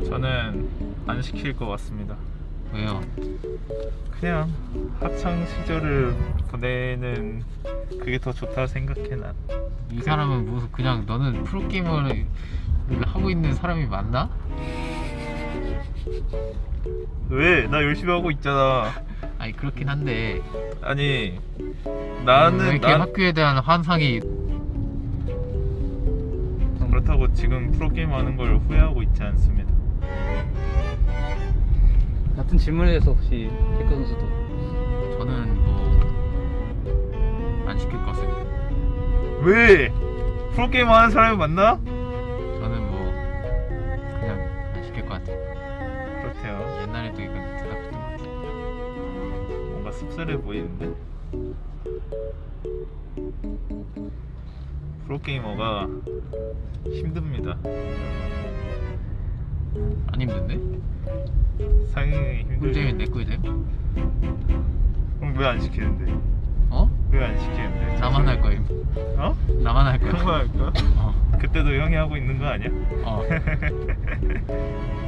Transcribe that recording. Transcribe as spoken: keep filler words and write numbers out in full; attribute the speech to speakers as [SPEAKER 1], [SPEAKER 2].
[SPEAKER 1] 저는 안 시킬 것 같습니다.
[SPEAKER 2] 왜요?
[SPEAKER 1] 그냥 학창 시절을 보내는 그게 더 좋다고 생각해 난.
[SPEAKER 2] 이 사람은 무슨 그냥 너는 프로게이머를 하고 있는 사람이 맞나?
[SPEAKER 1] 왜? 나 열심히 하고 있잖아.
[SPEAKER 2] 아니 그렇긴 한데
[SPEAKER 1] 아니
[SPEAKER 2] 왜
[SPEAKER 1] 나는
[SPEAKER 2] 이렇게
[SPEAKER 1] 난
[SPEAKER 2] 학교에 대한 환상이
[SPEAKER 1] 그렇다고 지금 프로게임 하는 걸 후회하고 있지 않습니다.
[SPEAKER 3] 같은 질문에 대해서 혹시 태권 선수도
[SPEAKER 2] 저는 뭐 안 시킬 것 같습니다.
[SPEAKER 1] 왜? 프로게임 하는 사람이 맞나?
[SPEAKER 2] 저는 뭐 그냥 안 시킬 것 같아요.
[SPEAKER 1] 그렇대요.
[SPEAKER 2] 옛날에도 이건 대답했던 것 같아요.
[SPEAKER 1] 뭔가 씁쓸해 보이는데? 프로게이머가 힘듭니다.
[SPEAKER 2] 안 힘든데?
[SPEAKER 1] 상당히
[SPEAKER 2] 꿀잼이
[SPEAKER 1] 힘들죠.
[SPEAKER 2] 내 꿀잼?
[SPEAKER 1] 그럼 왜 안 시키는데?
[SPEAKER 2] 어?
[SPEAKER 1] 왜 안 시키는데?
[SPEAKER 2] 나만 할 거임.
[SPEAKER 1] 어?
[SPEAKER 2] 나만 할 거야.
[SPEAKER 1] 형만 할까?
[SPEAKER 2] 어.
[SPEAKER 1] 그때도 형이 하고 있는 거 아니야?
[SPEAKER 2] 어.